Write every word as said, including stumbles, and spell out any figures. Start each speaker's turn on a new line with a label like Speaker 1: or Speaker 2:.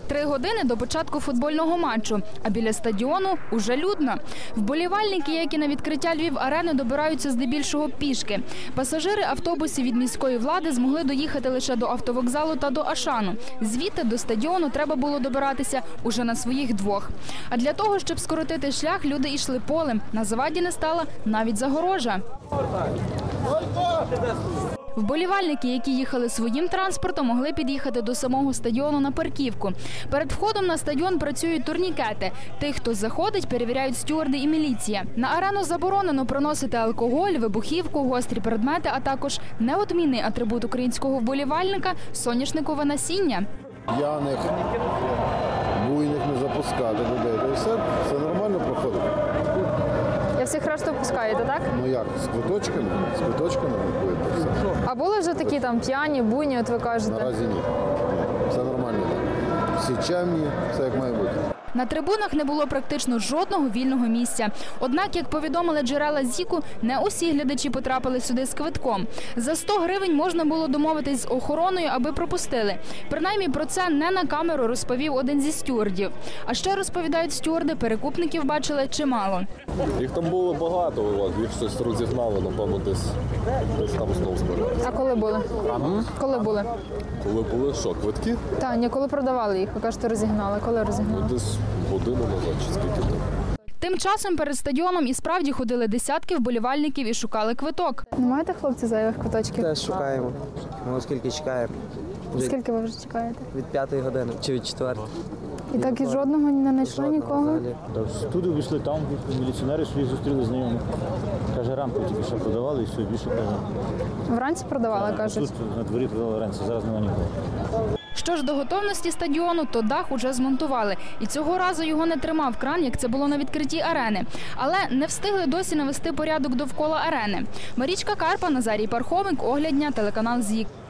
Speaker 1: Три години до початку футбольного матчу, а біля стадіону уже людно. Вболівальники, як і на відкриття Львів-арени, добираються здебільшого пішки. Пасажири автобусів від міської влади змогли доїхати лише до автовокзалу та до Ашану. Звідти до стадіону треба було добиратися уже на своїх двох. А для того, щоб скоротити шлях, люди йшли полем. На заваді не стала навіть загорожа. Вболівальники, які їхали своїм транспортом, могли під'їхати до самого стадіону на парківку. Перед входом на стадіон працюють турнікети. Тих, хто заходить, перевіряють стюарди і міліція. На арену заборонено проносити алкоголь, вибухівку, гострі предмети, а також неодмінний атрибут українського вболівальника – соняшникове насіння.
Speaker 2: П'яних, буйних не запускати людей. То все, все нормально проходить.
Speaker 3: Я всіх решту пускаєте, так?
Speaker 2: Ну як, з квиточками? З квиточками виходить все.
Speaker 3: А були вже такі там п'яні, буйні, от ви кажете?
Speaker 2: Наразі ні. Все нормально. Всі чемні, все як має бути.
Speaker 1: На трибунах не було практично жодного вільного місця. Однак, як повідомили джерела ЗІКу, не усі глядачі потрапили сюди з квитком. За сто гривень можна було домовитись з охороною, аби пропустили. Принаймні про це не на камеру розповів один зі стюардів. А ще, розповідають стюарди, перекупників бачили чимало.
Speaker 4: Їх там було багато у вас, їх щось розігнали, напевно, десь, десь там знову збиралися.
Speaker 3: А коли були? Коли були?
Speaker 4: Коли були що, квитки?
Speaker 3: Та, ні, коли продавали їх, ви кажете, розігнали. Коли розігнали?
Speaker 4: Ну, десь годину назад, чи скільки там.
Speaker 1: Тим часом перед стадіоном і справді ходили десятки вболівальників і шукали квиток.
Speaker 3: Не маєте, хлопці, зайвих квиточків?
Speaker 5: Теж шукаємо. Ми оскільки чекаємо.
Speaker 3: Скільки ви вже чекаєте?
Speaker 5: Від п'ятої години чи від четвертої.
Speaker 3: І так і жодного не знайшли нікого?
Speaker 6: Туди вийшли, там міліціонери свої зустріли знайомих. Каже, рамку тільки що продавали і все, більше каже.
Speaker 3: Вранці продавали, кажуть?
Speaker 6: Тут на дворі продавали вранці, зараз немає нікого.
Speaker 1: Що ж до готовності стадіону, то дах уже змонтували. І цього разу його не тримав кран, як це було на відкритті арени. Але не встигли досі навести порядок довкола арени. Марічка Карпа, Назарій Пархомик, Огляд дня, телеканал ЗІК.